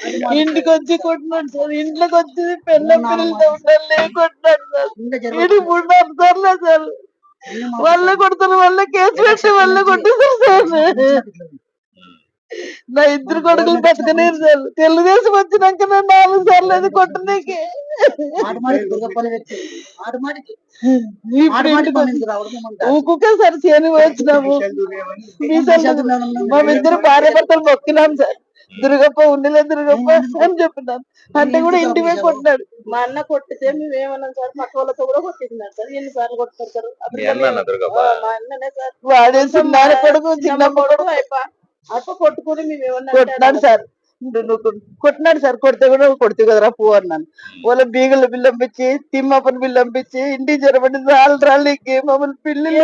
ఇంటికి వచ్చి కొట్టినాడు సార్. ఇంట్లోకి వచ్చి పెళ్ళ పిల్లలతో ఉండాలి కొట్టినాడు సార్. ఇది 3-4 సార్లు సార్. వాళ్ళే కొడతారు, వాళ్ళే కేసు పెట్టి వాళ్ళే కొట్టేశారు సార్. నా ఇద్దరు కొడుకులు బతకలేరు సార్. తెలుగుదేశం వచ్చినాక నా 4 సార్లు అది కొట్టనీకి. ఊకుకే సార్ చేని వచ్చినాము. మేమిద్దరు భార్య భర్తలు మొక్కినాం సార్. దుర్గప్ప ఉండలే దుర్గప్ప అని చెప్పినాను. అంటే కూడా ఇంటి మీద కొట్టినాడు. మా అన్న కొట్టితే మేము ఏమన్నాం సార్, పక్క వాళ్ళతో కూడా కొట్టించినాడు సార్. ఎన్నిసార్లు కొడతారు సార్? మా అన్ననే సార్. వాడేసి చిన్న కొడుకు చిన్న కొడుకు అట్లా కొట్టుకుని మేము ఏమన్నా కొట్టినాడు సార్. కొట్టినాడు సార్. కొడితే కూడా కొడితే కదరా పో అన్నాను. వాళ్ళ బీగల బిల్లు పంపించి తిమ్మప్పని బిల్లు పంపించి ఇంటికి జరపడి రాళ్ళకి మమ్మల్ని పిల్లలు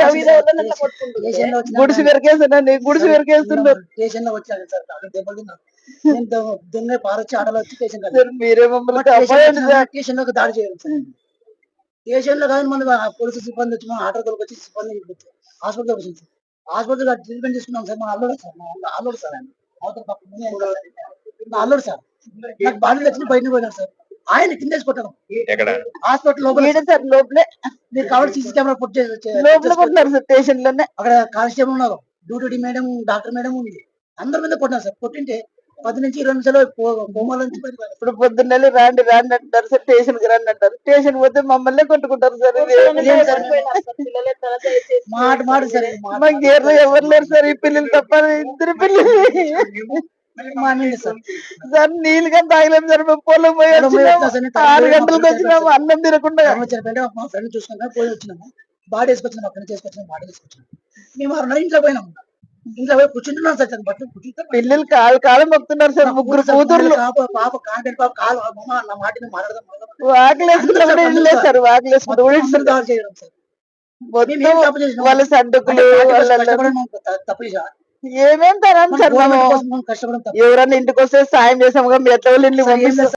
గుడిసి వెరకేస్తున్నాను. గుడిసి వెరకేస్తున్నారు. మీరే మమ్మల్ని స్టేషన్ లోకి దాడి చేయాలి సార్. స్టేషన్ లో కానీ మన పోలీసు సిబ్బంది వచ్చి మన ఆటో వచ్చి సిబ్బంది హాస్పిటల్ వచ్చింది సార్. హాస్పిటల్ ట్రీట్మెంట్ చేసుకున్నాం సార్. మా అల్లుడు సార్, అల్లుడు సార్ ఆయన అల్లుడు సార్. నాకు బాడీ వచ్చి బయటకు పోయినారు సార్. ఆయన కింద కొట్టాను హాస్పిటల్ లోపలే. మీరు కావాలి సీసీ కెమెరా పుట్ చేసి స్టేషన్ లోనే అక్కడ కానిస్టేబుల్ ఉన్నారు, డ్యూటీ మేడం, డాక్టర్ మేడం ఉంది. అందరి మీద కొట్టినారు సార్. కొట్టింటే 10 నుంచి 20 నిమిషాలు కోమాల నుంచి ఇప్పుడు పొద్దున్న రాండి రాండి అంటారు సార్. స్టేషన్ కి రండి అంటారు. స్టేషన్ పోతే మమ్మల్ని కొట్టుకుంటారు సార్. మాట మాట సార్. మా గేర్లో ఎవరు లేరు సార్. ఈ పిల్లలు తప్ప ఇద్దరు పిల్లలు సార్. నీళ్ళు కానీ తాగలేము సార్. మేము పొలం పోయి 6 గంటలకు వచ్చినాము అన్నం తినకుండా. మా ఫ్రెండ్ చూసుకున్నా పోయి వచ్చినాము. బాడీ వేసుకొచ్చినాము. అక్కడ చేసుకొచ్చినాము. బాడీ వేసుకొచ్చినాము. మేము 6 ఇంట్లో పోయినాము. ఇంట్లో పోయి కూర్చుంటున్నాం సార్. పిల్లలు కాలు మొక్కుతున్నారు సార్. 3 కూతుర్లు. పాప కాంటెంట్ పాప కాలు నా మాటని మాట్లాడదాం వాకిలేసుకుంటే సార్. వాకిలేసుకుంటే వాళ్ళ సడ్డుకులు తప్పు ఏమేం తరాను సార్. మనం ఎవరన్నా ఇంటికి వస్తే సాయం చేసాము. ఎట్లా వాళ్ళు